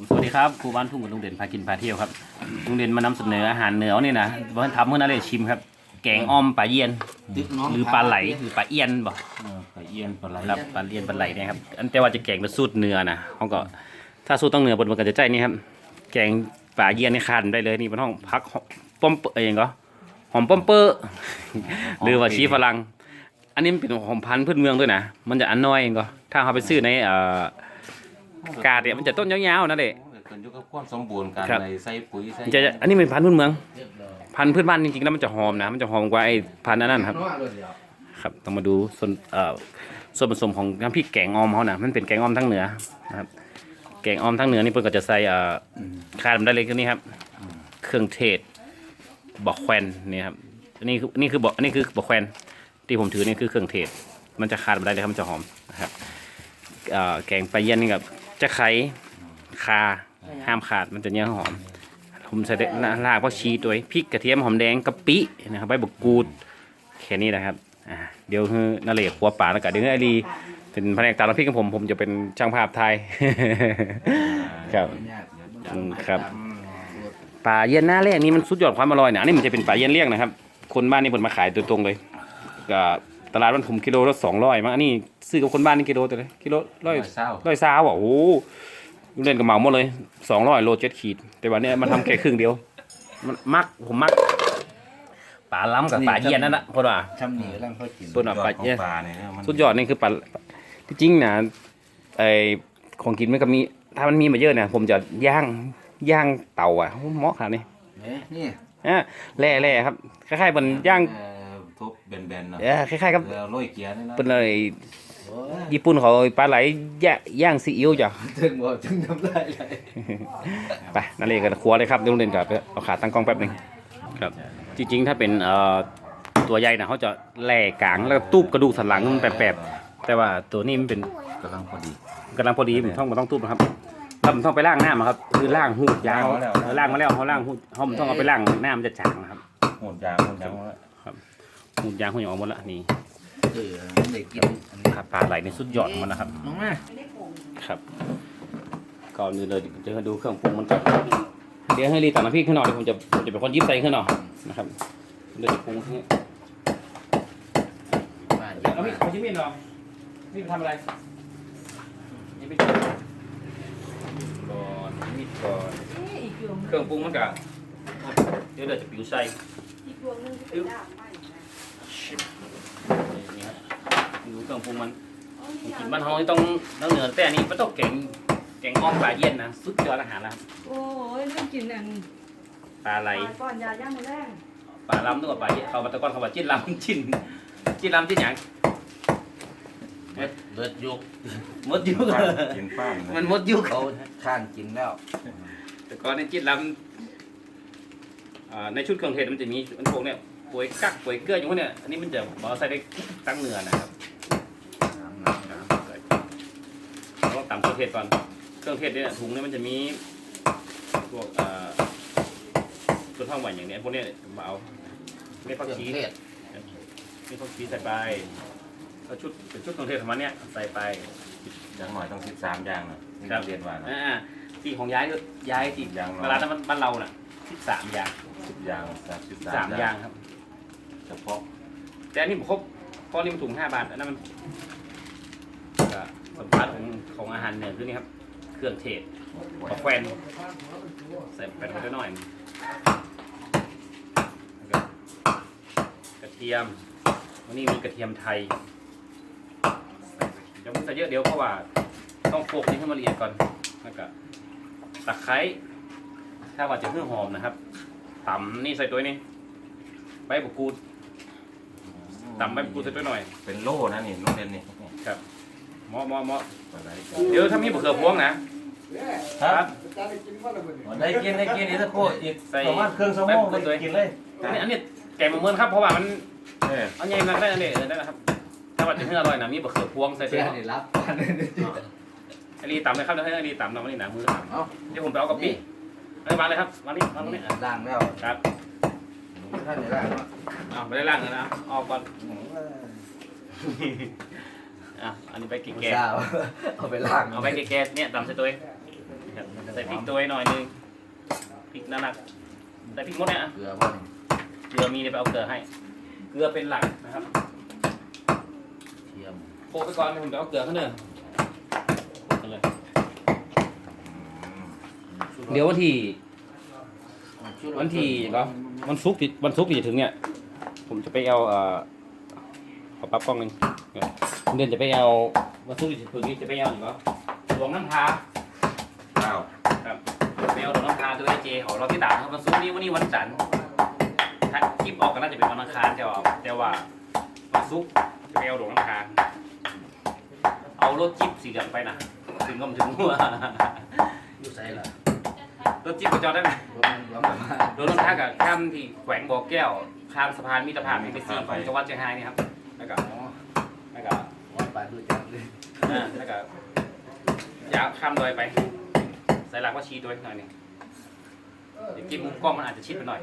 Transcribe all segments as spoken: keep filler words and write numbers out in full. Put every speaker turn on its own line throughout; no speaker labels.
สวัสดีครับครูบ้านทุ่งกับลุงเด่นพากินพาเที่ยวครับลุงเด่นมานำเสนออาหารเหนือนี่นะวันทำเมื่อนั้นเลยชิมครับแกงอ้อมปลาเยียนหรือปลาไหลหรือปลาเอียนบ่
ปลาเอียนปลาไหล
ครับปลาเอียนปลาไหลเนี่ยครับอันแต่ว่าจะแกงเป็นสูตรเนื้อนะเขาก็ถ้าสูตรต้องเนื้อบนมันก็จะใจนี่ครับแกงปลาเยียนนี่ขาดได้เลยนี่มันต้องพักป้อมเองก็หอมป้อมเปอร์หรือว่าชีฝรั่งอันนี้มันเป็นหอมพันธุ์พื้นเมืองด้วยนะมันจะอันน้อยเองก็ถ้าเขาไปซื้อในเอ่อกาดเนี่ยมันจะต้นยาวๆนั่นแหละ
ขึ้นอยู่กับความสมบูรณ์การใส่ปุ๋ยใส่
จะอันนี้เป็นพันธุ์พื้นเมืองพันธุ์พื้นบ้านจริงๆแล้วมันจะหอมนะมันจะหอมกว่าไอ้พันธุ์นั้นครับครับต้องมาดูส่วนเอ่อส่วนผสมของน้ำพริกแกงออมเขานะมันเป็นแกงออมทั้งเหนือนะครับแกงออมทั้งเหนือนี่เพิ่นก็จะใส่เอ่อขาดได้เลยคือนี่ครับเครื่องเทศบอกแควนนี่ครับอันนี้คือนี่คือบอกอันนี้คือบอกแควนที่ผมถือนี่คือเครื่องเทศมันจะขาดได้เลยครับมันจะหอมนะครับเอ่อแกงปลาเยี่ยนนี่กับจะไข่คาห้ามขาดมันจะเนื้อหอมผมใส่ลากเพราะชีตัวพริกกระเทียมหอมแดงกะปินะครับใบบักกูดแค่นี้นะครับอ่าเดี๋ยวคือนาเล่ขัวป่าแล้วก็เดี๋ยวไอรีเป็นแผนกตามน้ำพริกของผมผมจะเป็นช่างภาพไทย ครับครับปลาเยี่ยนหน้าแรกนี้มันสุดยอดความอร่อยนะอันนี้มันจะเป็นปลาเยี่ยนเลี้ยงนะครับคนบ้านนี่ผมมาขายตัวตรงเลยก็ตลาดมันผมกิโลละสองร้อยมั้งอันนี้ซื้อกับคนบ้านนี่กิโลตัวเลยกิโลร้อยร้อยซาวอ่ะโอ้เล่นกับเหมาหมดเลยสองร้อยโลเจ็ดขีดแต่วันนี้มันทำแค่ครึ่งเดียวมันมักผมมักปลาล้ำกับปลาเยี่ยนนั่นแหละคนว่า
ช่ำหนีร่างเขากิน
คนว่าปลาเยี่ยน
เนี่ย
สุดยอดนี่คือปลาที่จริงนะไอของกินมันก็มีถ้ามันมีมาเยอะเนี่ยผมจะย่างย่างเต่าอ่ะเหมาะขนาดนี้
นี่
อ่ะแร่แร่ครับคล้ายๆเหมือนย่าง
ทุบแบนๆเนาะ
เออคล้ายๆกับ
โรยเกียร์นี่นะ
เป็นอะไรญี่ปุ่นเขาปลาไหลย่างย่างซีอิ๊วจ้ะ
ถึงบอกถึงน้ำลายไหล
ไปนั่นเลยกันครัวเลยครับเดี๋ยวลุงเด่นกับเอาขาตั้งกล้องแป๊บหนึงครับจริงๆถ้าเป็นเอ่อตัวใหญ่นะเขาจะแหล่กลางแล้วก็ตูบกระดูกสันหลังมันแปบๆแต่ว่าตัวนี้มันเป็น
กำลังพอดี
กำลังพอดีมันต้องมันต้องตูบนะครับแล้วมันต้องไปล้างหน้ามาครับคือล้างหูดยางล้างมาแล้วเขาล้างหูดเขามันต้องเอาไปล้างหน้ามันจะจางนะครับ
โหดยางโหดยาง
หูดยางหูดยางออกหมดละนี่
เออมันได้กินอันนี้
ครับปลาไหลในสุดยอดของมันนะครับ
น้องมา
ครับก่อนอื่นเลยเดี๋ยวดูเครื่องปรุงมันก่อนเดี๋ยวให้รีตักน้ำพริกขึ้นหน่อยเดี๋ยวผมจะผมจะเป็นคนยิบใส่ขึ้นหน่อยนะครับเดี๋ยวจะปรุงให้
มาเย
เอา
อะ
พี่
มาก
เอาชิ้นมีดหรอนี่ไปทำอะไรนี่ไปก่อนมีดก่อนเครื่องปรุงมันกะเดี๋ยวเดี๋ยวจะปิ้วใส่นี่ครับดูเครื่องปรุงมันกินบ้านเฮาที่ต้องต้องเหนือแต่อันนี้มันต้องแกงแกงอ้อมปลาเย็นนะสุดยอดอาหารแล้ว
โอ้ยเรื่องกินอัน
ปลาไหล
ก่อนยาย่างมือแรง
ปลาล้ำนึกว่าปลาเย็นเขามาตะก้อนเขาว่าจิ้นล้ำจิ้นจิ้นล้ำจิ้นหยัง
เลือดยุก
มดยุก
กินป้าน
มันมดยุก
เขาข้างกินแล้ว
แต่ก่อนในจิ้นล้ำอ่าในชุดเครื่องเทศมันจะมีมันพวกเนี่ยป่วยกักป่วยเกลืออย่างพวกเนี่ยอันนี้มันจะบอกใส่ได้ตั้งเนื้อนะครับต้องตำเครื่องเทศก่อนเครื่องเทศเนี่ยถุงเนี่ยมันจะมีพวกอ่าตัวท่องหวานอย่างเนี้ยพวกเนี้ยมาเอาเม็ดผักชี
เทศ
เม็ดผักชีใส่ไปแล้วชุดเป็นชุดเครื่องเทศของมันเนี่ยใส่ไป
อย่างหน่อยต้องสิบสามอย่างนะนี่เรียนว่านะ
อ่าที่ของย้ายก็ย้ายที่
อย่างน้อย
เวลานั้นบ้านเราน่ะสิบสามอย่าง
สิบอย่างสามสิบ
สามอย่างครับ
เฉพาะ
แต่อันนี้ผมครบเพราะนี่มันถุงห้าบาทอันนั้นมันก็สำคัญของของอาหารเหนือคือนี่ครับเครื่องเทศปลาแควนใส่ไปหน่อยหน่อยแล้วก็กระเทียมวันนี้มีกระเทียมไทยเดี๋ยวมันใส่เยอะเดี๋ยวเพราะว่าต้องโขลกนี่ให้มันละเอียดก่อนแล้วก็ตะไคร้ถ้าว่าจะเพื่อหอมนะครับตำนี่ใส่ตัวนี้ใบบักกูดตำใบบักกูดใส่ตัวหน่อย
เป็นโล่นะนี่น้องเรียนนี่
ครับหมอหมอหมอ
ปลาไหล
เดี๋ยวถ้ามีบะเขือพวงนะครับ
ได้กินได้กินนี่สักโคอีก
ใส่
ประมาณเครื่องสมองได้กินเลย
อันนี้อันนี้แกงมะม่วงครับเพราะว่ามัน
เออ
อันนี้มันได้อันนี้เออได้นะครับถ้าว่าจะให้อร่อยนะมีบะเขือพวงใส่ตั
เจ้
ว
ได้รับอันนี้
อันนี้ตำเลยครับเดี๋ยวให้อันนี้ตำเราอันนี้หนามือต
เอ้า
ำเดี๋ยวผมไปเอากะปิเอาวางเลยครับวางนี่วางตรงนี้
ล่างแล้ว
ครับ
ท่านได้ล่างแล้ว
เอาไปได้ล่างเลยนะออกก่อนอ่ะอันนี้ไปกินแกง
เช้าเอาไปล่าง
เอาไปแกงเนี่ยตำใส่ตัวเองครับใส่พริกตัวหน่อยนึงพริกนั่นน่ะใส่พริกหมดเนี่ยอ่ะ
เกลือป่ะนี่
เกลือมีเดี๋ยวไปเอาเกลือให้เกลือเป็นหลักนะครับ
เทียม
โปะไปก่อนผมจะเอาเกลือข้างเนื้อเลยเดี๋ยววันที่วันที่ก็วันศุกร์ที่วันศุกร์ที่จะถึงเนี่ยผมจะไปเอาเอ่อขอปั๊บกล้องหนึงเนี่ยเดือนจะไปเอาวันศุกร์ที่จะถึงนี้จะไปเอาหรือเปล่าหลวงน้ำพา
ข้าว
ครับไปเอาหลวงน้ำพาตัวไอเจของเราที่ต่างครับวันศุกร์นี้วันนี้วันจันทร์ถ้าคลิปออกก็น่าจะเป็นวันอังคารแต่ว่าแต่ว่าวันศุกร์จะไปเอาหลวงน้ำพาเอารถจิ๊บสีเหลืองไปนะถึงก็มาถึงหัว
อยู่ใส่ละ
รถจิ๊บก็จอดได้ไหม
รถมันร้อนมาก
รถรถทักกับข้ามที่แขวงบ่อแก้วข้ามสะพานมิตรภาพเอเมซีของจังหวัดเชียงรายนี่ครับแล้วก็
อ๋อ
แล้วก็
ว่าปลาดูจังเลย
อ่าแล้วก็ยาวข้ามดอยไปสายหลักว่าชี้ด้วยหน่อยหนึงเดี๋ยวกินมุมกล้องมันอาจจะชิดไปหน่อย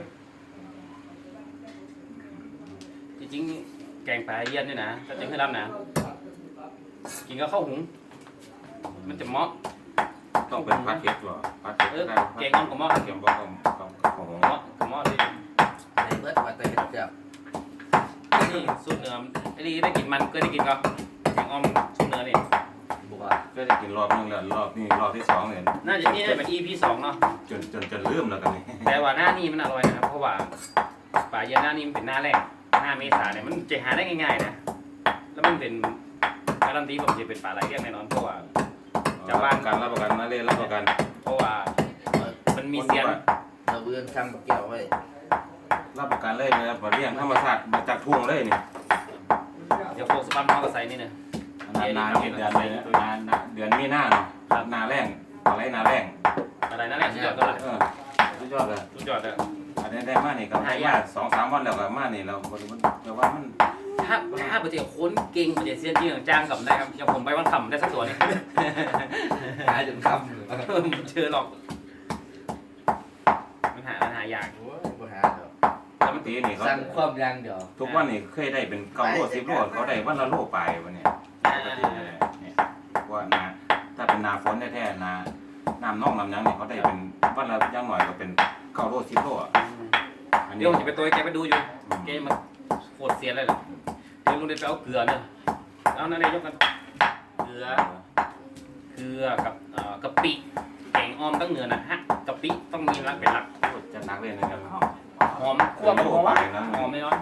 จริงๆแกงปลาเยี่ยนด้วยนะถ้าจะให้รับนะกินก็ข้าวหุงมันจะเหมาะ
ต้องเป็นพัดเก็ตหรอพัดเก็ต
เออ
ได้
แกงอ่อมกับหม้อ
เกี่ยวกับของของของ
เหมาะกับหม้อเลย
ในเบิร์ดมาแต่เห็ดจับ
นี่สูตรเนื้อไอ้นี่ได้กินมันก็ได้กินก็แกงอ่อมสูตรเนื้อนี่
บัว
ก็ได้กินรอบนึงแล้วรอบนี้รอบที่สองเนี่ย
น่าจะนี่น่าจะเป็น อี พี สองเนาะ
จนจนจนลืมแล้วกันนี่
แต่ว่าหน้านี่มันอร่อยนะครับเพราะว่าป่าเย็นหน้านี่มันเป็นหน้าแรกหน้าเมษาเนี่ยมันจะหาได้ง่ายๆนะแล้วมันเป็นการันตีผมจะเป็นป่าไหลเรียกแน่นอนเพราะว่า จากบ้าน
การรับประกันนะเล่นรับประกัน
เพราะว่ามันมีเซียน
เราเบือนช่างเกี่ยวไว้
รับประกันเลยนะครับมาเลี้ยงธรรมชาติมาจากทุ่งเลยนี่
เดี๋ยวโฟกสปัมเขาก็ใส่นี่เนี่ย
นานนานเดือนเลยนะนานนานเดือนมีหน้าเนาะนาแรงอะไรนาแรง
อะไรนั่นแหละสุดยอดก็ละ
เออสุดยอดเลย
สุดยอดเลย
อันนี้ได้มานี่ก็ให้มาสองสามวันแล้วก็มานี่เราบริมันแต่ว่ามัน
ถ้าถ้าปฏิเสธคนเก่งปฏิเสธจริงจ้างกับได้ครับอย่างผมไปวันคำได้สักตัวนี่
หายจนคำเลย
เจอหรอกมันหามันหายาก
โอ้ยบัวหาเดี๋ยว
ปกตินี่เขา
สั่งความยังเดี๋ยว
ทุกวันนี่เคยได้เป็นเก้าโลสิบโลเขาได้วันละโลไปวันนี้ปกติเนี่ยเนี่ยว่านาถ้าเป็นนาฝนแท้ๆนาน้ำน่องลำยังเนี่ยเขาได้เป็นวันละอยังหน่อยก็เป็นเก้าโลสิบโลอ่ะอันนี้
เดี๋ยวผมจะไปตัวแกไปดูอยู่แกมันโคตรเสียเลยเหรอเดี๋ยวลุงเดินไปเอาเกลือเนี่ยเอานั่นเลยยกกันเกลือเกลือกับเอ่อกะปิแกงอ้อมตั้งเหนือนะฮะกะปิต้องมีรักเป็นหลัก
จะนักเล่นนะครับ
หอมคั่วหอมหอมแน่นอน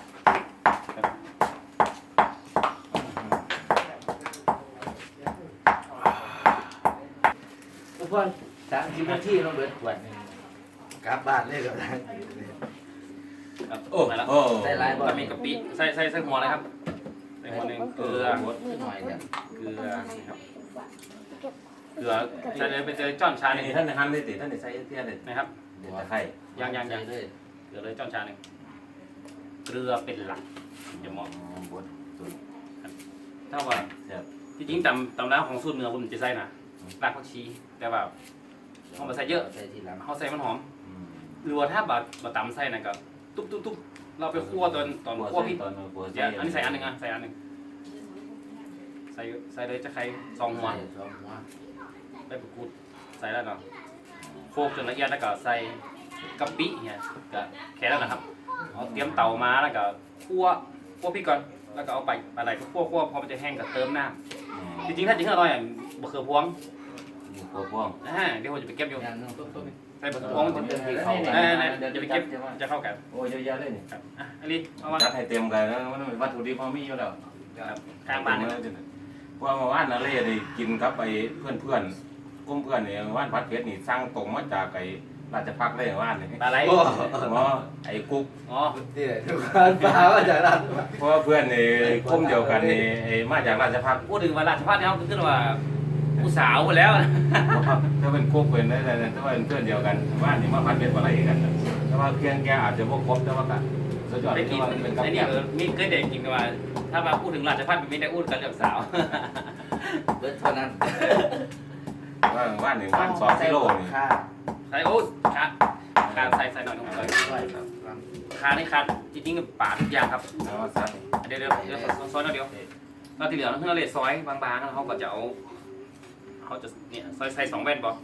ทุกคนสามสิบนาทีเราเบิดขวดหนึงกลับบ้านเลยกับทาง
โอ้มาแล้ว
โอ้
ได้หลายบ่
ก็มีกะปิใส่ใส่ใส่หัวเลยครับใส่หัวหนึ่งเกลือ
หน่อยเนี่ย
เกลือนี่ครับเกลือใส่เลยเป็นเจอจ้อนชาหนึ่ง
นี่ท่านในฮันเลยติท่านในใส่เทียนเลย
นะครับ
เดี๋ยวจะไข่
ยังยังยัง
เลย
เกลือเลยจ้อนชาหนึ่งเกลือเป็นหลักอย่ามอง
บดสุด
ถ้าว่า
แซ่บ
ที่จริงตำตำน้ำของสูตรเนื้อผมจะใส่นะรากผักชีแต่ว่าเขามาใส่เยอะ
ใส่ทีหลัง
เขาใส่มันหอม
อืม
หรือว่าถ้าบะบะตำใส่นะก็ตุ๊บตุ๊บตุ๊บเราไปคั่วตอนตอนคั่วพริก
ตอนบัว
เดี๋ยวอันนี้ใส่อันหนึ่งอ่ะใส่อันหนึ่งใส่ใส่เลยจะใครสองหัว
ใส่สองหัว
ไปประกูดใส่แล้วเนาะโคกจนละเอียดแล้วก็ใส่กะปิเนี่ยก็แค่นั้นนะครับเอาเตรียมเตามาแล้วก็คั่วคั่วพริกก่อนแล้วก็เอาไปอะไรก็คั่วคั่วพอมันจะแห้งก็เติมน้ำจริงๆถ้าจริงๆอร่อยอ่ะบะเขือพวง
บัวพ่วง
อ่าเดี๋ยวผมจะไปเก็บอยู่
อย่างนึง
ใส่บะเขือพวงมันจะเป็นที่เข้ากันอ่าๆเดี๋ยวจะไปเก็บจะเข้ากัน
โอ้ยเยอะแยะเลยนี่
ครับอ่ะอันนี้เอามา
จัดให้เต็มกันแล้วมันเป็นวัตถุดิบพอมีอยู่แล้ว
ครับข้างบ้านนี่
เพราะว่าเมื่อวานนั่นเลยได้กินกับไอ้เพื่อนเพื่อนๆกลุ่มเพื่อนเนี่ยเมื่อวานพัดเพชรนี่สร้างตรงมาจากไอ้ราชพักเลยเมื่อวานนี่
ปลาไหล
โอ้
หมอไอ้กุ๊ก
อ๋อ
ที่ไหนทุกคนปลาว่าจากนั้น
เพราะว่าเพื่อนนี่กลุ่มเดียวกันนี่ไอ้มาจากราชพัก
พูดถึงว่าราชพัฒน์เนี่ยเขาขึ้นว่าผู้สาวไปแล้วนะ
ถ้าเป็นกุ๊กเป็นได้แต่ถ้าเป็นเพื่อนเดียวกันว่านี่มาพัดเพชรอะไรกันแต่ว่าเพียงแกอาจจะพวกครบแต่ว่าก็สุดยอด
ไป
ที่
กิน
ว่าเป็นกับ
ไอ้
แก
นี่เออมีเคยเด็กกินกันว่าถ้ามาพูดถึงราชพัฒน์มันไม่ได้พูดกันเรื่องสาว
เบิดเท่านั้น
ว่าว่าหนึ่งวันสองกิโลนี่
ค่า
ใส่โอ้ขาขาใส่ใส่หน่อยหนึงใส่
ช่วยครับ
ขานี่ขาจริงๆกับป่าทุกอย่างครับ
แล้วว่าซัด
เดี๋ยวเดี๋ยวเดี๋ยวซอยๆหน่อยเดียวเราที่เหลือเราเพื่อเราเลซอยบางๆแล้วเขาก็จะเอาเขาจะเนี่ยซอยใส่สองแว่นบอก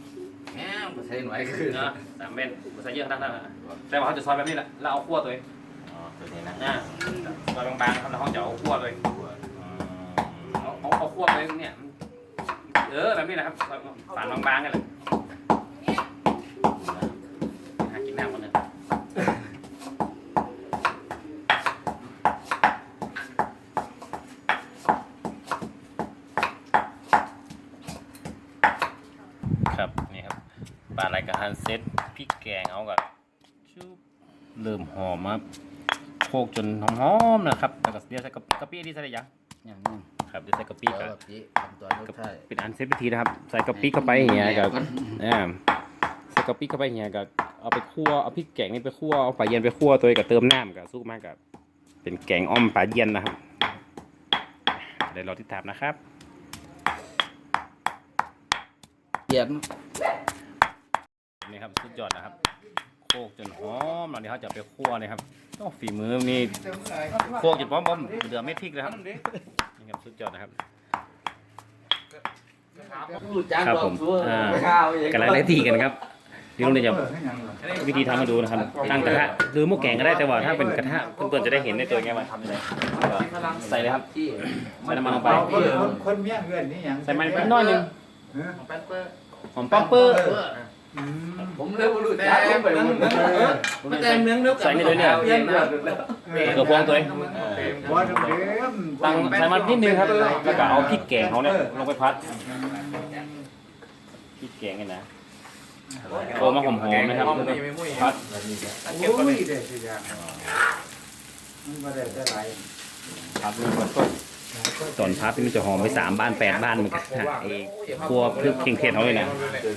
แหมใส่หน่อยคือ
เนาะสามเม็ดใส่เยอะขนาดนั้นแต่ว่าเขาจะซอยแบบนี้แหละแล้วเอาคั่วตัวเอง
อ๋อตัวนี้นะ
นะซอยบางๆครับแล้วเขาจะเอาคั่วตัวเอง
อืม
เอาเอาเอาคั่วตัวเองเนี่ยเออแบบนี้นะครับฝานบางๆกันเลยหากินน้ำคนหนึ่งครับนี่ครับปลาไหลกระทันเซ็ตพริกแกงเขากับชุบเริ่มหอมครับโคกจนหอมๆนะครับแล้วก็เดี๋ยวใส่กะกะปิที่ใส่ได้ยัง
อย่างนี้
ครับเดี๋ยวใส่กะปิ
เดี๋ยว
กับ
แบบนี้ทำตัวลูกไทย
เป็นอันเซฟพิธีนะครับใส่กะปิเข้าไปอย่างเงี้ยกับอ่าใส่กะปิเข้าไปอย่างเงี้ยกับเอาไปคั่วเอาพริกแกงนี่ไปคั่วเอาปลาเย็นไปคั่วตัวเองกับเติมน้ำกับซุปมากกับเป็นแกงอ้อมปลาเย็นนะครับเดี๋ยวเราติดตามนะครับ
เย็น
นี่ครับสุดยอดนะครับโคกจนหอมแล้วเดี๋ยวเขาจะไปคั่วเลยครับต้องฝีมือนี่โคกจนพร้อมๆเหลือไม่พริกเลยครับนี่ครับสุดยอดนะครับ
รู้จัก
ครับ
ดอ
ผ
ก
ม
ซัว
อ่า
ข้าวเอง
กำลังได้ทีกันครับเดี๋ยวลุงจะวิธีทำมาดูนะครับตั้งกระทะหรือหม้อแกงก็ได้แต่ว่าถ้าเป็นกระทะเพื่อนๆจะได้เห็นในตัวไงว่าทำยังไงใส่เลยครับ
ที่
ใส่น้ำมันลงไป
คนคนคนเมียเงินนี่หยัง
ใส่มันไปน้อยหนึง
แป๊บเปอร์
หอมป๊อปเปอร์
อืม
ผมเลยบ่รู้จักผมไปหมดมันแต่เมืองเดียวกัน
ใส่นี่เลยเนี่ย
เพี้ยนนะ
กระพวงตัวเอง
หัวเดิม
ตั้งใส่มันนิดนึงครับแล้วก็เอาพริกแกงเขาเนี่ยลงไปพัดพริกแกงเนี่ยนะโอ้มาหอมๆนะครับพัด
โอ้ยเด็ดสิจ้ะมันบ่ได้แต่ไร
พัดนี่ก็ตอนพัดนี่มันจะหอมไปสามบ้านแปดบ้านเหมือนกันนะไอ้ครัวพริกเคียงเทศเขาเลยนะ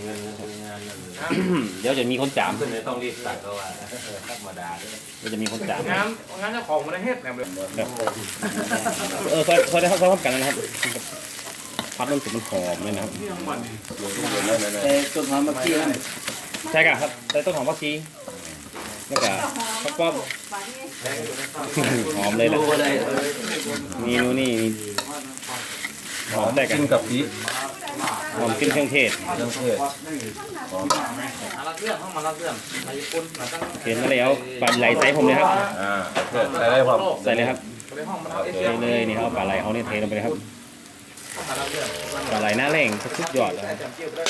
เดี๋ยวจะมีคนจาม
ต้องรีบตัดเพราะว่าธรรมดาด้วย
เดี๋ยวจะมีคนจาม
งานงานเจ้าของมันได้เฮ็ดแหนมเลย
เออพอพอได้เข้าพร้อมกันนะครับพัดมันสุดมันหอมเลยนะครับ
แต่ต้นหอมมะกี้นั่น
ใช่ครับใส่ต้นหอมผักชีแล้วก็ข้าวป้อม
ปลาที่
หอมเลยแหละ
รู้เลย
เมนูนี่หอมแต่กัน
กินกับพริก
หอมขึ้นเครื่องเทศ
เครื่องเทศ
มาละเรื่องห้องมาละเรื่องมาญี่ปุ่นมาตั้ง
เห็นมาแล้วปลาไหลใส่ผมเลยครับ
อ่าเพื่อนใส่ได้พร้อม
ใส่เลยครับ
ไปห้องมันเอาเอ
เท
เชีย
เลยนี่ครับปลาไหลเขาเนี่ยเทลงไปเลยครับ
มาละเรื่อง
ปลาไหลหน้าแรงสุดยอดเลยครับ
จำเกี่ยวได้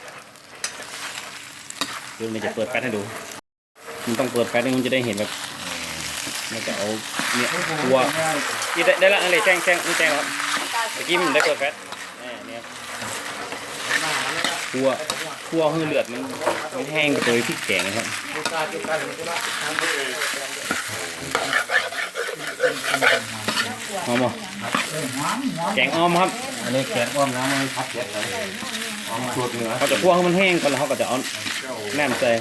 เดี๋ยวเราจะเปิดแป๊ดให้ดูมันต้องเปิดแป๊ดให้มันจะได้เห็นแบบมันจะเอาเนี่ยตัวนี่ได้ได้ละอะไรแจ้งแจ้งนี่แจ้งแล้วครับเมื่อกี้มันได้เปิดแป๊ดนี่เนี่ยตัวตัวให้เลือดมันมันแห้งไปโดยพริกแกงนะครับ
ดูการดูการดูละทำด้วย
หอมบ่
หอมหอม
แกงอ้อมครับ
อันนี้แกงอ้อมน้ำมันพัดแกงเลยอ้อมสูตรเหนือ
เขาจะคั่วให้มันแห้งก่อนแล้วเขาก็จะเอาแหนมใส่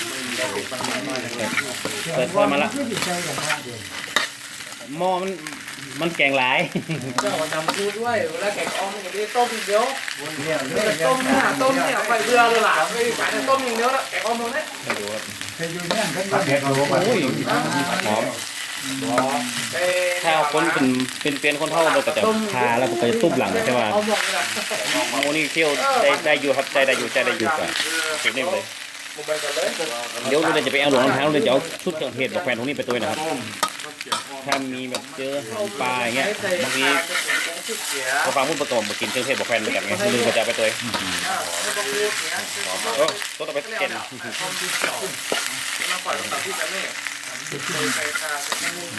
เปิดเปิดมาละ
คือสิใส่กับข้าวเดียว
หม้อมันมันแกงหลาย
เจ้าจำพูดด้วยเวลาแกงอ้อมมันจะได้ต้มเดียว
เนี่ยเนี่ย
ต้มเนี่ยต้มเนี่ยไปเบื่อเลยล่ะไม่ขายแต่ต้มอย่างเดียวละแกงอ้อมตรงนี้
ให้ดูครับ
เคยอยู่เนี่ยกัน
พัดแกงโลมา
โอ้ยหอม ถ้าคนเป็นเป็นเป็นคนเท่าเราก็จะทาแล้วก็จะตุ้มหลังใช่ไหม
เอาหมดเลย
โมนี่เที่ยวได้ได้อยู่ครับได้ได้อยู่ใจได้อยู่ก่อนสุดนี่เลย
มุมไปก่อนเลย
เดี๋ยวเราจะไปเอาหลวงรองเท้าเราจะเอาชุดเครื่องเทศกับแฟนตรงนี้ไปตัวนะครับ ถ้ามีแบบเจอปลาอย่างเงี้ยบางทีพอฟังพูดประกอบมากินเครื่องเทศบอกแฟนเหมือนกันไงลืมก็จะเอาไปตัวโอ้ตัวต่อไปเก่ง
เราปล่อยตัดที่จะไม่ใส่คาใส่ใส่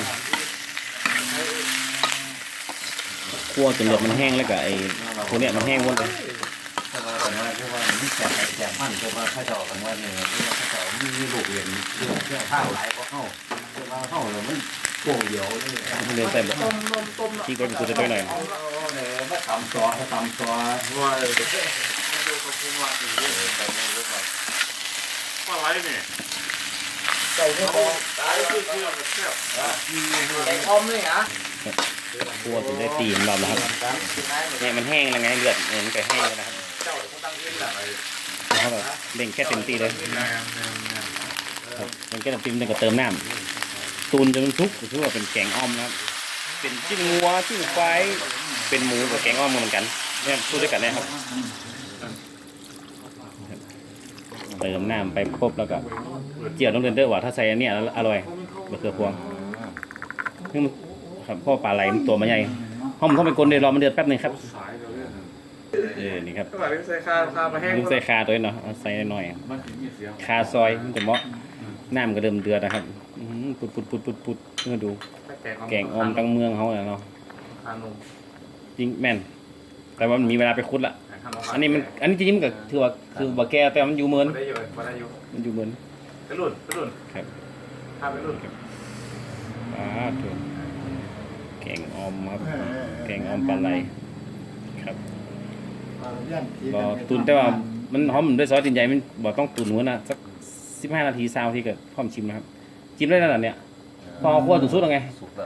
คั่วจนเลือดมันแห้งแล้วก็ไอ้พวกเนี้ยมันแห้งหมดเลย
ถ้าเราบอกว่าที่ว่าที่แกงแกงมันคือว่าถ้าจะออกกันว่าเนี่ยที่ว่าถ้าจะมีลูกเรียนเรื่องเรื่องข้าวหลายก็เข้าเรื่องข้าวเลยมันโป่งเดียวเลย
มันเดินใส่แบบ
ต้มต้มต้ม
ที่ก็คือจะตัวหน่อย
เอาเลยมาตำซอสตำซอส
ว่าเลยดูกับคุณว่าดีปลาไหลเนี่ย
ใส่ไม่พอ
ตายคือคือแบบแซ่บ
แกงอ้อมเลยฮะ
คั่วจนได้ตีมันรอบแล้วครับเนี่ยมันแห้งแล้วไงเลือดเนี่ยมันก็แห้งแล้วนะครับ
เจ้าเขาตั้งที่หลัง
แล้วแบบเบ่งแค่เต็มที่เลยครับเบ่งแค่เต็มที่แล้วก็เติมน้ำตูนจนมันสุกถือว่าเป็นแกงอ้อมนะครับเป็นจิ้นงัวจิ้นควายเป็นหมูกับแกงอ้อมเหมือนกันเนี่ยพูดด้วยกันนะครับเติมน้ำไปปุ๊บแล้วก็เจียวต้องเดินเด้อว่าถ้าใส่อันเนี้ยแล้วอร่อยมะเขือพวงนี่มันครับพ่อปลาไหลมันตัวมันใหญ่ห้องมันต้องเป็นกลนเดี๋ยวรอมันเดือดแป๊บนึงครับเออนี่ครับ
ก็แบบใส่คาคามาแห้ง
มึงใส่คาตัวนี้เนาะเอาใส่หน่อยคาซอยมันจะเหมาะน้ำก็เดิมเดือดนะครับอื้อหือปุดปุดปุดปุดปุดเพื่อดูแกงออมตั้งเมืองเขาเนาะ
คานุ
จริงแม่นแต่ว่ามันมีเวลาไปคุดละอันนี้มันอันนี้จริงๆมันก็ถือว่าคือบ่แก่แต่มันอยู่เหมือน
ได้อยู่ได้อยู่
มันอยู่เหมือน
ไปรุ่นไปรุ่น
ครับ
คาไปรุ่น
อ่าถูกแกงออมครับแกงออมปลาไหลครับบ่ตุนแต่ว่ามันหอมด้วยซอสตีนใหญ่มันบ่ต้องตุนหัวนะสักสิบห้านาทีซาวทีก็พร้อมชิมนะครับชิมได้แล้วน่ะเนี่ยพอเอาคั่วสุดๆแล้วไง
สุกแล้ว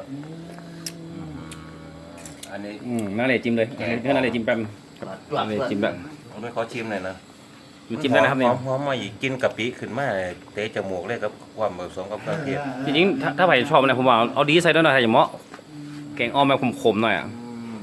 อันนี้
อืมน่าเลยจิ้มเลยอันนี้น่าเลยจิ้มแป๊บน่าเลยจิ้มแบบ
ผมไม่ขอชิมหน่อยนะ
มันจิ้มได้นะครับเนี่ย
หอมหอมมาอีกกินกะปิขึ้นมาเตะจมูกเลยครับความผสมกับเครื่องเทศ
จริงๆถ้าถ้าใครชอบนะผมว่าเอาเอาดีใส่ด้วยหน่อยถ้าอย่างเหมาะแกงออมแบบขมๆหน่อยอ่ะ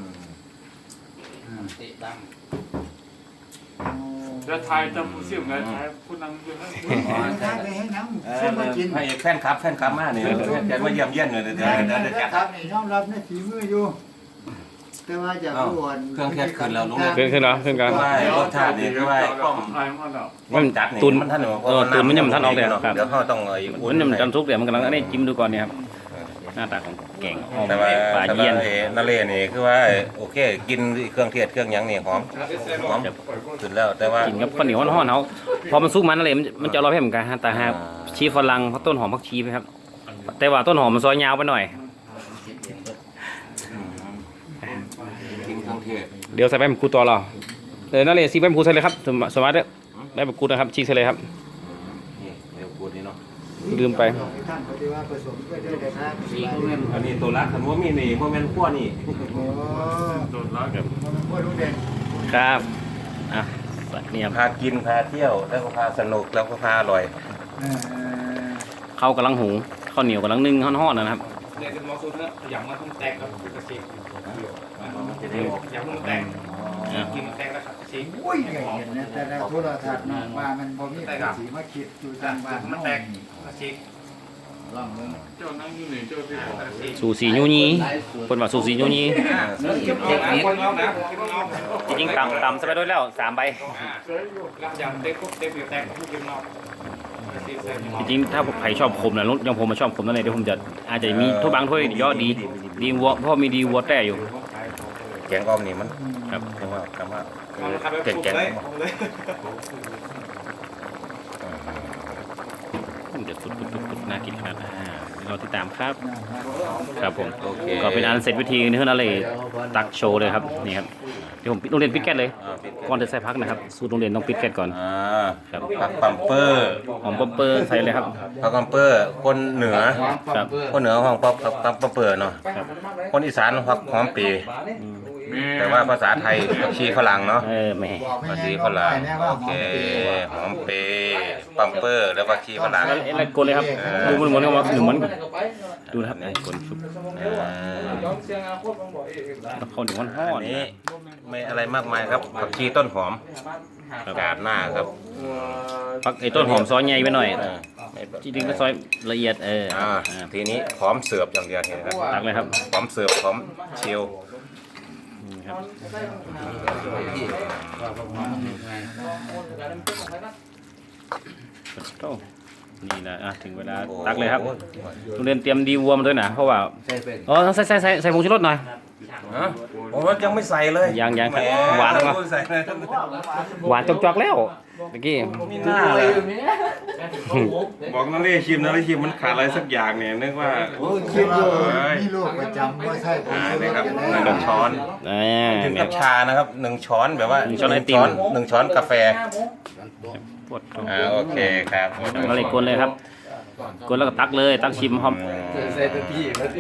จะทายจำเสียงไงทายผู้นั่งอยู่นั่น
ไปให้น้ำ
เอ
เส้
อน
มากิน
ให้แฟนคลับแฟนคลับมาเนี่ยแกมาเยี่ยมเยี่ยนเลยเดี๋ยวเดี๋ยวเดี๋ยวเดี๋ยวจัด
ครับนี่ยอมรับในฝีมืออยู่ แต่ว่าจะอ้วน
เครื่องเทศขึ้นแล้วลุง
ขึ้นขึ้นเนาะขึ้นกัน
ว่ารสชาตินี่คือว่าป้อม
ทายมันแล้ว
มัน
จัดนี่
ตุน
มันท่าน
เออตุนมันยังมันท่านออกเลยครับ
เดี๋ยวเขาต้องเอาอีก
มันยังมันกันทุกเดี๋ยวมันกำลังอันนี้จิ้มดูก่อนเนี่ยครับหน้าตาของแกงออม
แต่ว่า
ปลา
แต่ว่า
เยี่ยน
ไอ้นาเลนี่คือว่าโอเคกินเครื่องเทศเครื่องหยังนี่หอมหอมขึ้นแล้วแต่ว่า
กินกับข้าวเหนียวห่อนๆเขาพอมันซุกมันอะไรมันมันจะอร่อยเหมือนกันฮะแต่หากชีฝรั่งเพราะต้นหอมพักชีไปครับ แต่ว่าต้นหอมมันซอยยาวไปหน่อย
กินเครื่องเทศ
เดี๋ยวใส่ใบมะกรูดต่อเราเออนั่นเลยซีใบมะกรูดใส่เลยครับสมสมาร์ทเนี่ยใบมะกรูดนะครับชีกใส่เลยครับ
นี่เดี๋ยวพูดนี่เนาะ
ลืมไป
ท่านเขาจะว่าผสมด้วยได้เลยครับ
อันนี้ตัวรักคันว่ามีนี่ว่าแม่นขั้วนี่
โอ้
โดนแล้ว
มันพ่อลูกเด่น
ครับอ่ะใส่เนี่ย
พากินพาเที่ยวแล้วก็พาสนุกแล้วก็พาอร่อย
ข้าวกำลังหุงข้าวเหนียวกำลังนึ่งห่อนๆนะครับ
เนี่ยคือมอสูเนื้ออย่างมันต้องแตกครับกระชิอย่างมันแตกกินมันแตกแล้วครับกระชิ
อุ้ยเห็นนะแต่ในโทรทัศน์ว่ามันบ่มีสีมาคิดอยู่ทางบ้าน
มันแตกกระชิ
ลองมึง
เจ้านั่งอยู่นี่เจ้าที่บอก
สูสียูนีคนว่าสูสียูนี
คนเอานะคนเอา
จริงๆต่ำต่ำสบายด้วยแล้วสามใบ
รับยำเต็มปุ๊บเต็มอยู่แตกทุกกินเอา
จริงๆถ้าใครชอบขมนะยังผมมาชอบขมนั่นเองเดี๋ยวผมจะอาจจะมีถ้วยบางถ้วยยอดดีดีวัวเพราะมีดีวัวแต่อยู่
แกงอ้อมนี่มัน
ครับ
เรียกว่าคำว่า
เก่ง
แกง
เลย
เดี๋ยวฟุดๆๆน่ากินขนาดนั้นอ่าเดี๋ยวเราติดตามครับ ครับผม
โอเค
ก็เป็นอันเสร็จวิธีนี่คืออะไรตักโชว์เลยครับนี่ครับเดี๋ยวผมปิดโรงเรียนปิดแก๊สเลย
อ่าปิด
ก่อนจะใส่พักนะครับสูตรโรงเรียนต้องปิดแก๊สก่อน
อ่า
ครับ
ผักปัมเปอร์
หอมป๊อปเปอร์ใส่เลยครับ
ผักปัมเปอร์คนเหนือ
ครับ
คนเหนือห้องปักปักปัมเปอร์เนาะคนอีสานผักหอมปี แต่ว่าภาษาไทยผักชีฝรั่งเนาะ
เออแหม่
ผักชีฝรั่งโอเคหอมเปปัมเปอร์แล้วผักชีฝรั่ง
แล้วอะไรกดเลยครับดูมันเหมือนกับว่าหนึ่งมันดูนะครับไอ้กดชุบ
อ่า
แล้วเขาหนึ่งมันห่อ
อัน
น
นี้ไม่อะไรมากมายครับผักชีต้นหอมกาดหน้าครับ
พักไอ้ต้นหอมซอยใหญ่ไปหน่อย
อ่าไม่
จริงๆก็ซอยละเอียดเออ
อ่า
อ่า
ทีนี้พร้อมเสิร์ฟอย่างเดียวเห็นไหมครับ
ตักเลยครับ
พร้อมเสิร์ฟพร้อมเชียว
นี่ครับโอ้นี่นะอ่ะถึงเวลาตักเลยครับโรงเรียนเตรียมดีวัวมาด้วยนะเพราะว่าอ๋อใส่ใส่ใส่ใส่ผงชูรสหน่อย
ฮะผมว่ายังไม่ใส่เลย
ยังยัง
แหม
หวานวะ
ใส่เลย
หวานจอกๆแล้วเมื่อกี้
มีหน้าเลยบอกนั่นเลยชิมนั่นเลยชิมมันขาดอะไรสักอย่างเนี่ยนึกว่า
โอ้คิดอยู่มีลูกประจำว่าใช่ผม
อ่า
ซื้อ
นี่ครับ
กัน
หนึ่งช้อน
อ่า
ถึง
เนี่
กั
ย
บชานะครับหนึ่งช้อนแบบว่า
หนึ่งช้อนไอติม
หนึ่งช้อนกาแฟ
ปวดท้อง
อ่าโอเคครับ
แล้วเลยกวนเลยครับกวนแล้วก็ตักเลยตักชิมหอม
ใส่เป็นพี่แล้วดิ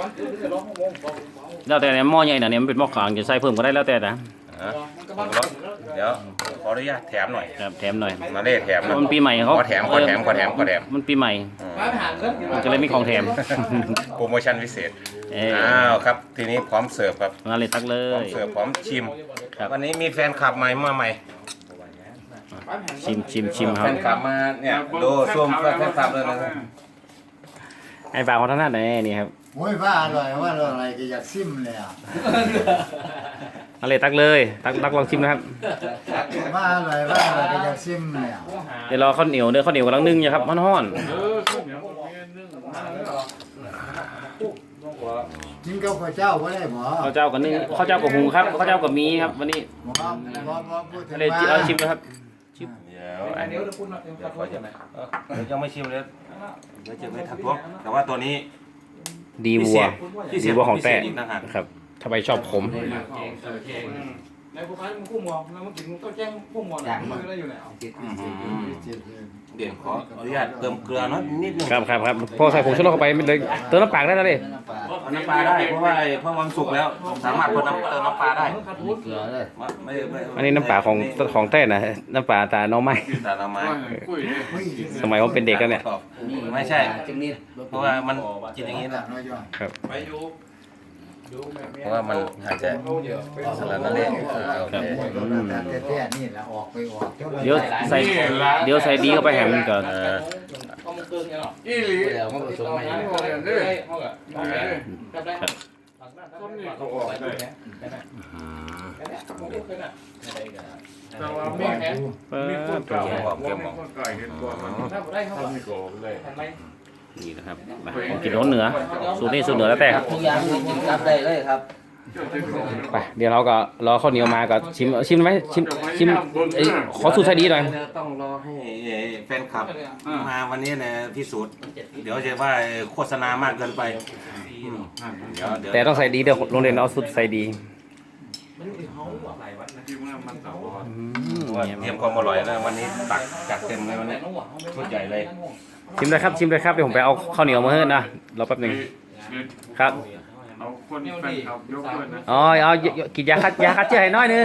แล้วแต่เนี่ยหม้อใหญ่น่ะเนี่ยมันเป็นหม้อขางจะใส่เพิ่มก็ได้แล้วแต่นะ
อ่ะเดี๋ยวขออนุญาตแถมหน่อย
ครับแถมหน่อย
มาเล่แถม
เพ
นะ
ราะมันปีใหม่เขา
ขอแถมขอแถมขอแถมขอแถม
มันปีใหม่
อืม
มันก็เลยมีของแถม
โปรโมชั่นพิเศษ
เออ
อ้าวครับ ทีนี้พร้อมเสิร์ฟครับ
มาเลยตักเล
พร้อม
ย
เสิร์ฟพร้อมชิม
ครับ
วันนี้มีแฟนคลับใหม่มาใหม่
ชิมชิมชิมค
แฟ
รับ
นคลับมาเนี่ยดูส้มแฟนคลับเลยนะ
ไอ้บางเขาท่านหน้าไหนนี่ครับ
โอ้ยว่าอร่อยว่าอร่อยก็อยากซิมเลยอ่ะ
เอาเลยตักเลยตักตักลองชิมนะครับ
ว่าอร่อยว่าอร่อยก็อยากซิมเลยอ่ะ
เดี๋ยวรอข้าวเหนียวเนื้อข้าวเหนียวกำลังนึ่งอยู่ครับมันฮ้อน
เออข้าวเหนียวมีนึ่งมาแล้ว
กินกับข้าวเจ้าก็ได้หมอ
ข้าวเจ้ากับนึ่งข้าวเจ้ากับหุงครับข้าวเจ้ากับมีครับวันนี้
หมอหมอหมอพูดถึง
เอาเลย
ว่า
เอาชิมนะครับ
เดี๋ยวอันนี้เดี๋ยวขอจะไหนเดี๋ยวยังไม่ชิมเลยเดี๋ยวจะไม่ทักท้วงแต่ว่าตัวนี้
ดีวัว
พิเศ
ดี
ษ
วัวของแต่
พิเศษอีกนะฮะ
นะครับถ้าใครชอบขม
ในพวกนั้นมันคู่มองแล้วมันกินก็แจ้งคู่มองมันก็ได้อยู่แล้ว
เดี๋ยวขออนุญาตเติมเกลือน้อยนิดนึง
ครับครับครับพอใส่ผงชูรสเข้าไปไม่เลยเติมน้ำปลาได้แล้วเลย
เอาน้ำปลาได้เพราะว่าไอ้เพราะมันสุกแล้วสามารถเพิ่มน้ำเติมน้ำปลาได้
เกลือเลย
ไม่ไม่
อันนี้น้ำปลาของของแต้นะน้ำปลาตาน้องไม้
แต่น้ำไม้
คุย
สมัยผมเป็นเด็กแล้วเนี่ย
ไม่ใช่เพราะว่ามันกินอย่างนี้นะ
น้อยย่อย
ครับ
ไปอยู่ดูแม่
เพราะว่ามันอาจจะสลัดนั่นเองโอเค
แต่แต่นี่แหละออกไปออก
เดี๋ยวใส่เดี๋ยวใส่ดีเข้าไปแหมมันก่อน
เออ
เขามึงเกินยังหรอ
อีหลี
เดี๋ยวมันผสมมาอย่างนี้เลยเขาก็ได้ได้ได้
ต้นนี่เขาออกได้ แต่ว่ามีมีคนเก่ามีคนไก่เห็นก่อนมัน
ถ้าได้เขา
ทำนี่ก็ออกเลย
ทำไม
นี่นะครับมากินรสเหนือสูตรนี้สูตรเหนือแล้วแต่ครับ
ทุกอย่างมีกินรับได้เลยครับ
ไปเดี๋ยวเราก็รอข้าวเหนียวมาก็ชิมชิมไหมชิมชิมเอ้ยขอสูตรใส่ดีหน่อย
ต้องรอให้แฟนคลับมาวันนี้นะพิสูจน์เดี๋ยวจะว่าโฆษณามากเกินไปเดี๋ยวเดี๋ยว
แต่ต้องใส่ดีเดี๋ยวโรงเรียนเอาสูตรใส่ดี
ที่เมื่อมันเก่า
อืม
ว่า
เนี่ย
เตรียมความอร่อยแล้ววันนี้ตักจัดเต็มเลยวันนี้ชุดใหญ่เลย
ชิมเลยครับชิมเลยครับเดี๋ยวผมไปเอาข้าวเหนียวมาให้นะรอแป๊บหนึงครับ
เอาคนแฟนคลับยกด้วยนะ
อ๋อเอากินยาคัดยาคัดเชื้อให้น้อยหนึง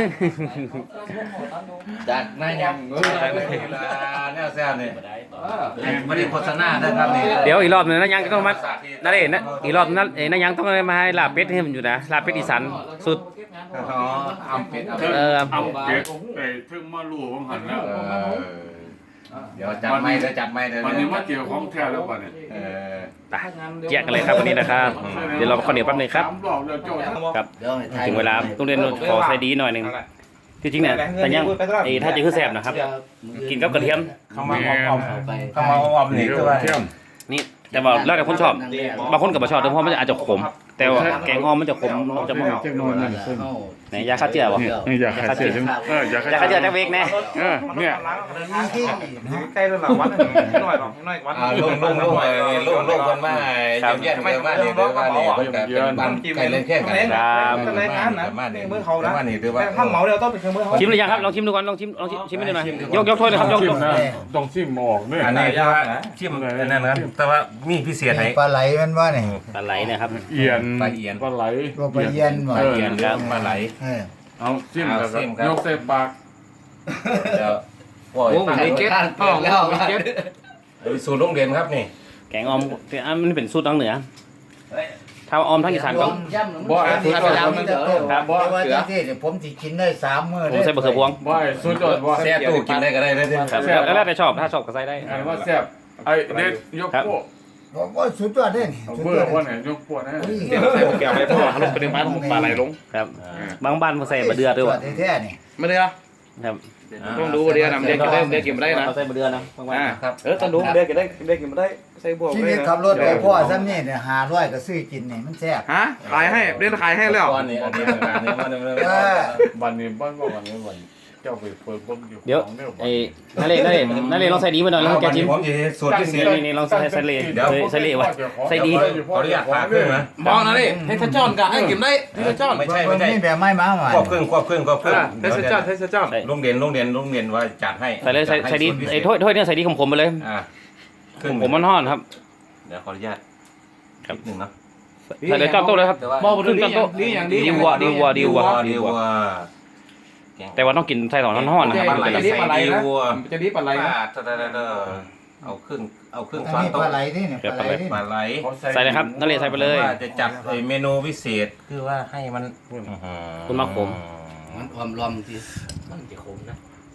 จากนายยัง
เนี่ยแซ่บเนี่ยไม่ได้โฆษณานะครับนี่
เดี๋ยวอีกรอบหนึงนะยังต้องมานั่นเองนะอีกรอบนั้นเอ้ยนะยังต้องมาให้ลาบเป็ดให้มันอยู่นะลาบเป็ดอีสานสุด
อ๋อเอาเป็ดเอา
เออ
เอาเป็ดไอ้ถึงมาลู่ของหันแล้ว
เดี๋ยวจัดไม่เดี๋ยวจัดไม่เดี๋ยว
วันนี้มาเกี่ยวของแท้แล้วป่ะเนี่ย
เออ
ไปเจ๊ยกกันเลยครับวันนี้นะครับเดี๋ยวเราข้าวเหนียวแป๊บหนึงครับ
สามรอบแล้วโจ้
ครับ
เดี๋ยวให้ทาย
ถึงเวลาต้องเรียนขอใส่ดีหน่อยหนึงที่จริงเนี่ยแต่ยังไอ้ถ้าจะคือแซ่บนะครับกินกับกระเทียม
เข้ามาออม
เอาไป
เข้ามาออมนี่คือว่า
นี่แต่ว่าแล้วแต่คนชอบบางคนกับบ่ชอบแต่เพราะมันอาจจะขม แต่ว่าแกงอ้อมมันจะขมมันจะบ่
เจ้านอนนั่นเพิ่น
ไหนยาฆ่าเชื้อบ่
นี่อยากให้เสียจังเอออยากให้
ยาฆ่าเชื้อจักเวกแน่
เออเนี่ย
ใกล้ระดับวัดหน่อยหรอกหน่อยวัด
อ่าลุงลุงลุงลุงลุงคนมาเยี่ยมเยี่ยมเลยมาเนี่ยเดี๋ยวว่าเนี่ยมันเป็นบ้านใกล้เล่นแค่กัน
เป็นรายการนะ
มาเนี่ย
มือเขานะ
มาเนี่ยถือว่า
แต่ถ้าเหมาเดียวต้องเป็นเครื่องมือเขา
ชิมหรือยังครับลองชิมดูก่อนลองชิมลองชิมชิมให้ดูหน่อยยกยกถ้วยเลยครับยก
ชิ
ย
ม
ก
นะต้องชิมออกเนี่ย
อันนี้คือว่าชิมนั่นนะครับแต่ว่ามีพิเศษให้
ปลาไหลมันว่าเนี่ย
ปลาไหลเนะครับ
เอียน
ปลาเอียน
ปลาไหล
ตัวปลาเย็นบ่
เออ
เอียนเรื่องปลาไหล
เออ
เอาชิมแล้ว
เอาชิมครั
ก็
บ
ยกใส่ปาก
เดี๋ยวโอ้ย
มีเก็ตพ่อแล้วมีเก็ต
สูตรโรงเรียนครับนี่
แกงอ้อมอันมันเป็นสูตรทางเหนือถ้าอ้อมทางอีสานก็
บ่ไอ้สุดยอด
ครับ
มัน
ครับบ่ว่าที่ที่ผมสิกินได้สามมื้อ
ผมใส่บะเขือพวง
บ่ไอ้สุดยอดบ่
แซ่ตู้กินได้ก็ได้เลย
ครับแล้วแล้วแต่ชอบถ้าชอบก็ใส่ได้
อันว่าแซ่บไอ้เด็ดยกโป๊ะ
ผมว่าสุดยอดเด้นี่
เอา
สุด
เบื่
ย
อ
อด
ว่าไหนยกโป๊ะนะ
เดี๋ยวใส่แก้วไปพ่อลงไปในบ้านของปลาไหลลง
ครับบางบ้านมันใส่บะเดือด้วยว่ะ
แท้ๆนี่
ไม่ได้
ครับ
ต้องดูเดียวนะเด็กได้เด็กกินไม่ได้นะ
เอาใส่บะเดือนะบางบ้าน
ครับ
เออต้องดูเด็กกินได้เด็กกินไม่ได้ใส่บวก
ชี
เล
วิ
ย
ต
นะ
ขับรถไปพ่อซ้ำนี่เนี่ยห้าร้อยก็ซื้อกินนี่มันแซ่บ
ฮะขายให้เล่นขายให้แล้ว
ก้อนนี้อันนี้อันนี้มัน
เออ
วันนี้บ้านว่าวันนี้วันเจ้าไปเปิดบ้งอยู่
เดี๋ยวไอ้นั่นเลยนั่นเลยนั่นเลยลองใส่ดีมาหน่อยลองแก
วัน
จิ้
นี้
ม
ผมจะสูตรพิเศษ
นี่นี่ลองใส่ใส่เลยใส่เลยวะใส่ดี
ขออนุญาตพาขึ้นนะ
มองนะนี่ให้ท่านจอนกับให้กินได้ให้ท่านจอน
ไม่ใช่ไม่ใช่
นี่แบบไม้มาใหม่
ควบครึ่งควบครึ่งควบครึ่ง
ให้ท่านจอนให้ท่านจอน
โรงเรียนโรงเรียนโรงเรียนว่าจัดให้
ใส่เลยใส่ใส่ดีไอ้ถ้วยถ้วยเนี่ยใส่ดีขมๆไปเลย
อ่าครึ่ง
ผมมันห่อนครับ
เดี๋ยวขออนุญาตครับหนึ่งเนาะ
ใส่เลยจ้อนโต๊ะเลยครับ
มองไป
ครึ่ง
ดี
จ้อนโต๊ะ
ดีอย่างดี
ดีวัวดีวัวดีวัว
ดีวัว
แต่ว่าต้องกินใส่สองห่อนๆนะครับ
ปลาไหล
จะดีปลาไหล
ดี
นะ
วัว
จะดีปลาไหลนะ
เอาครึ่งเอาครึ่ง
อัน
ช้อน
นี้
โต๊ะ
ปลาไหลนี่เนี่ยปลาไหลนี่
ปลาไหล
ใส่เลยครับนั่นเลยใส่ไปเลย
ว่าจะจัดเมนูพิเศษคือว่าให้มัน
คุณมักผม
มันความรอมที่มันจะขมนะ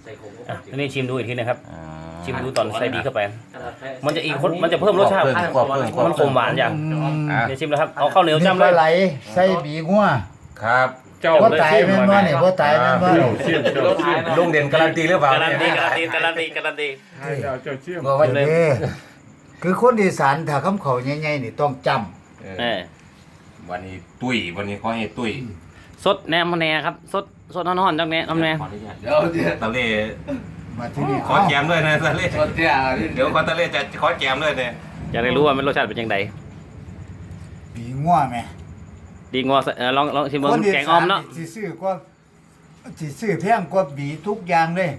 อ่ะอันนี้ชิมดูอีกทีนะครับ ชิมดูตอนใส่ดีเข้าไป มันจะอีกคนมันจะเพิ่มรสชาติ
ควบเพิ่มควบ
มันขมหวานอย่าง
อ่ะ
เดี๋ยวชิมแล้วครับเอาข้าวเหนียวจ้ำเล
ป
ย
ลาไหลใส่บีงัว
ครับ
เจ้า
บ่ตายแม่นบ่นี่บ่ตายแม่นบ่
เจ้าเชี่ยเจ้าเชี่ย
ลุงเด่นการันตีหรือเปล่า
การันตีการันตีการันตีการันตี
เจ้าเจ้าเชี่ย
บ่ว่าเด้คือคนอีสานถ้าคำเขาใหญ่ๆนี่ต้องจำ
เออ
วันนี้ตุ้ยวันนี้เขาให้ตุ้ย
สดแหนมแหนครับสดสดนอนๆจังแหนน้ำแหน
ขออนุญาต
เดี๋ยวเดี๋ยว
ตะเล่
มาที่นี่
ขอแจมด้วยนะตะเล่
ชนเตี้ย
เดี๋ยวขอตะเล่จะขอแจมด้วยเนี่ย
อยากได้รู้ว่ามันรสชาติเป็นยังไง
บีงัวแม่
ดีงอเออลองลองชิมเบิ้งแกงออมเนาะ
สิซื้อกว่าสิซื้อแพงกว่าบีทุกอย่างเลย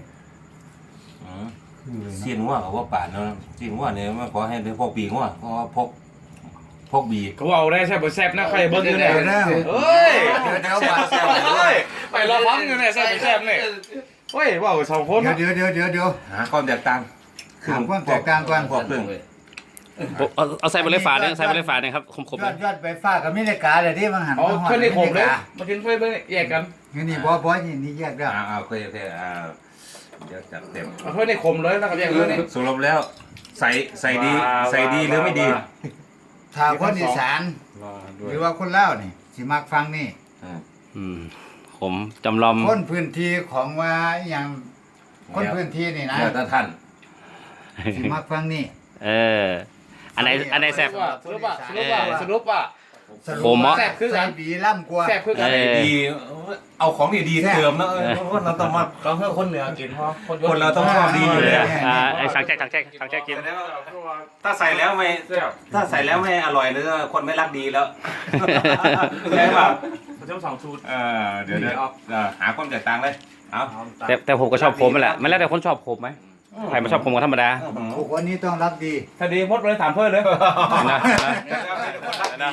เสียนว่าเขาว่าป่านเนาะเสียนว่าเนี่ยมันขอให้เป็นพวกบีว่าเพราะว่าพกพกบี
เขาเอาได้ใช่ป่ะแซ่บนะใครเบิ้งอยู่เนี่ย
เดี๋ยวนะ
เฮ้ย
เดี๋ยวเดี๋ยวว่า
เฮ้ยไปรอฟังอยู่เนี่ยแซ่บแซ่บเนี่ยเฮ้ยว่าสองคน
เดี๋ยวเดี๋ยวเดี๋ยวเดี๋ยว
หาความแตกต่าง
หาความแตกต่างก่อน
พวกเครื่อง
เอาเอาใส่ไปเลยฝาเนี่ยใส่ไปเลยฝาเนี่ยครับคมๆ
ย
เล
อย ดยอดไปฟ้ากับมิเลกาเลยที่มันหัน
เอา
มา
แค่นี้ผมเลย
มิ
มากินเพื่อนแยกกัน
นี่นี่บ่บ่นี่นี่แยกได้
อ่าโอเคโอเคอ่าเดี๋ยวจัดเต็ม
เอาเพื่อนในขมเลยแล้วก็แยกเลยนี่
สรุปแล้วใส่ใส่ดีใส่ดีหรือไม่ดี
ถ้าคนอีสานหรือว่าคนลาวนี่สิมักฟังนี่
อืมผมจำลอม
คนพื้นที่ของว่าอหย่างคนพื้นที่นี่นะ
เดี๋ยวท่าน
สิมักฟังนี่
เอออันไหนอันไหนแซ่บ
สรุปอ่ะสรุปอ่ะสรุปอ่ะ
สรุป
ผมเหรอ
ว่าใส่บีล่ำกว่า
แซ่บคือกัน
เออ
ดีเอาของดีๆเติมนะเออเพราะเราต้องมา
เราเพื่อคนเหนือกินเพราะคน
คนเราต้องชอบดีอยู่เลยอะ
อ่าไอ้สังแจ๊กสังแจ๊กสังแจ๊กกิน
ถ้าใส่แล้วไม่ถ้าใส่แล้วไม่อร่อยหรือคนไม่รักดีแล้วใช่ป่ะ
เขาจะสองสูตร
เออเดี๋ยวเดี๋ยวเออหาความแตกต่างเลยเอา
แต่แต่ผมก็ชอบผมนั่นแหละมันแล้วแต่คนชอบผมไหมใครมาชอบผมก็ธรรมดา
พวกคนนี้ต้องรักดี
ถ้าดีมดเลยถามเพื่อนเลย
นะนะ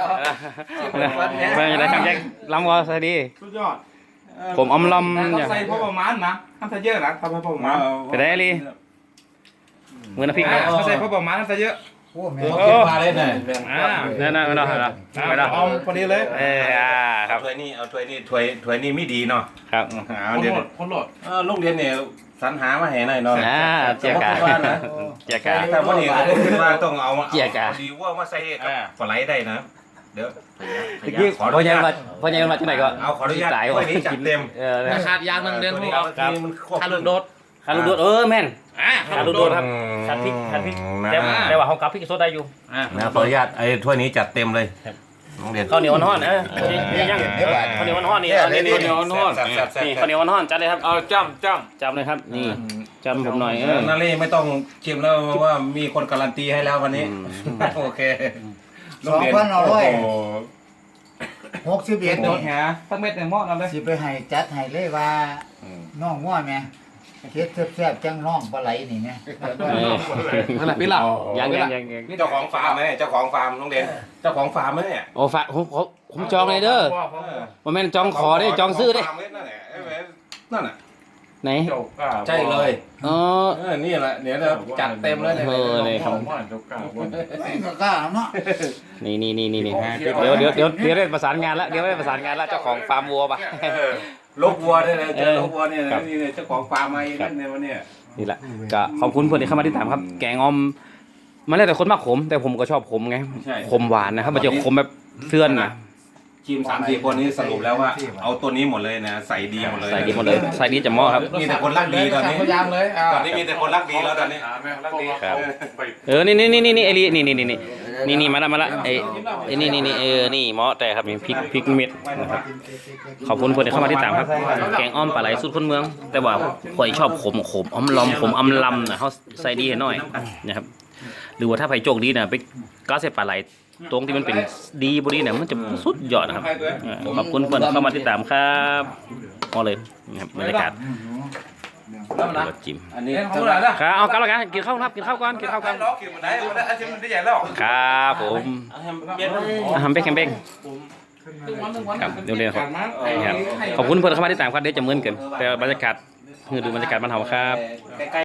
ไม่ได้สังแจ๊กล้ำวอใส่ดี
สุดยอด
ผมอมลอม
ต้
อ
อย่าง งใส่พอประมาณนะทำใส่เยอะนะทำใส่พอประมาณ
ไปได้ลีมือน้ำพริกนะ
ถ้าใส่พอประมาณทำใส่เยอะ
โอ้แม่
เก็บมาเลยหน่อย
อ่า
นั่นนั่นไม่ต้องไม่ต้องไม่ต้อง
เอาพอดีเลย
เอออ่าครับ
ถ้วยนี่เอาถ้วยนี่ถ้วยถ้วยนี่ไม่ดีเนาะ
ครับ
เอา
คน
เดี๋ยว
โหลดคนโหลด
เออลูกเรียนเนี่ยสรรหามาให้หน่อยเนาะ
อ่าเจียกาเจียกา
แต่ว่านี่ก็คิดว่าต้องเอามา
เจียกะ
เอาดีว่ามาใส่กับปลาไหลได้นะเดี๋ยว
เมื่อกี้
ขออ
พอ
นุ
ยัง
ญาต
มาพอยังมาที่ไหนก็
เอาขออนุญาต
ตาย
ถ้วยนี้จัดเต็ม
เออ
ขาดยางหนึ่งเดือนพวก
เอา
เรา
ทีมันควบ
ขาดลูกโดด
คารูโดดเออแม่น
อ่า
คารูโดดครับคัดพริกคัดพริกแต่แต่ว่าเขากับพริกโซดได้อยู่
นะขออนุญาตไอ้ถ้วยนี้จัดเต็มเลยน้องเรียน
ข้าวเหนียวอ่อนๆเออนี่ยังข้าวเหนียวอ่อนๆนี่เอานี่นี่
ข้าวเหนียวอ่อนๆ
นี่ข้าวเหนียวอ่อนๆจัดเลยครับ
เอาจ้ำจ้
จำเลยครับนี่จำผมหน่อยเออ
นาเล่ไม่ต้องชิมแล้วเพราะว่ามีคนการันตีให้แล้ววันนี้โอเค
สองพันเอาไว้
โอ้โห
หกสิบเอ็ด
โด
นี่
ดแหตั้งเม็ดในหม้อนั่นเลย
สิไปให้จัดให้เลยว่าน้องง้อแม่เฮ็ดแซ่บๆจังน้องปลาไหลนี่แม่
เออ
นั่นแหละพี่หลับ
ยังยังยังยัง
นี่เจ้าของฟาร์มไหมเนี่ยเจ้าของฟาร์มน้องเด่นเจ้าของฟาร์มไหมเนี่ย
โอ้ฝากผมผมผมจองเลยเด้อว่าแม่นจองขอได้จองซื้อได้
ฟาร์มเลยนั่นแหละเอ้ยนั่นน่ะ
ไหน
ำเจ้าก้า
ใช่เลย
อ๋อ
เออนี่แหละเดี๋ยวเราจัดเต็มเลยเนี่ย
เออเลยครับ
บ้านเจ้าก้าบ้าน
ก็กล้าเนาะ
นี่นี่นี่นี่นี่เดี๋ยวเดี๋ยวเดี๋ยวเดี๋ยวได้ประสานงานแล้วเดี๋ยวได้ประสานงานแล้วเจ้าของฟาร์มวัวปะ
เออลูกวัวเนี่ยนะเจ
เอ
อ
อ
ลูกวัวเนี่ย
ครั
นะ
บ
นี่เนี่ยเจ้าของฟาร์มมาเองนั่นเนี่ยวันเนี้ย
นี่แหละก็ขอบคุณเพื่อนที่เข้ามาที่ตามครับ แกงออมมันแล้วแต่คนมากขม แต่ผมก็ชอบขมไง
ใช่
ขมหวานนะครับมันจะขมแบบเสื่อนนะ
ทีมสามสี่คนนี้สรุปแล้วว่า เอาตัวนี้หมดเลยนะใส่ดีหมดเลย
ใส่ดีหมดเลยใส่ดีจะหม้อครับ
มีแต่คนรักดีตอนนี้
พยายามเลย
ตอนนี้มีแต่คนรักดีแล้วตอนนี้
รักดี
ครับ เออนี่นี่นี่นี่นี่ไอ้ลีนี่นี่นี่นี่นี่นี่มาละมาละไอ้ไอ้นี่นี่นี่เออนี่หม้อแต่ครับมีพริกพริกเม็ดนะครับขอบคุณเพื่อนที่เข้ามาที่ตามครับ แกงอ้อมปลาไหลสูตรคนเมือง แต่ว่าข่อยชอบขมขมอ้อมลอมขมอำลำนะเขาใส่ดีให้หน่อยนะครับหรือว่าถ้าไผ่โจกดีนะไปก้าใส่ปลาไหลตรงที่มันเป็นดีบดีเนี่ยมันจะสุดยอดนะครับเออขอบคุณเพื่อนเข้ามาติดตามครับพอเลยนะครับบรรยากาศ
แล้วนะ
จิ้ม
อันนี้
เล่นของอะไรนะครับ
เอากลับแล้วกันกินข้าวครับกินข้าวก่อนกินข้าวก่อน
ล้อกินมันได้มันได้อาชีพมันได้ใหญ่แล้ว
ครับผม
เย็น
อาหารเป๊กแคมเป๊ก
ตึ้งวันตึ้งวัน
ครับเดี๋ยวเรียนครับ
ครับ
ขอบคุณเพื่อนเข้ามาติดตามครับเดี๋ยวจะเหมือนกันแต่บรรยากาศคือดูบรรยากาศบ้านเฮาครับ
ใกล้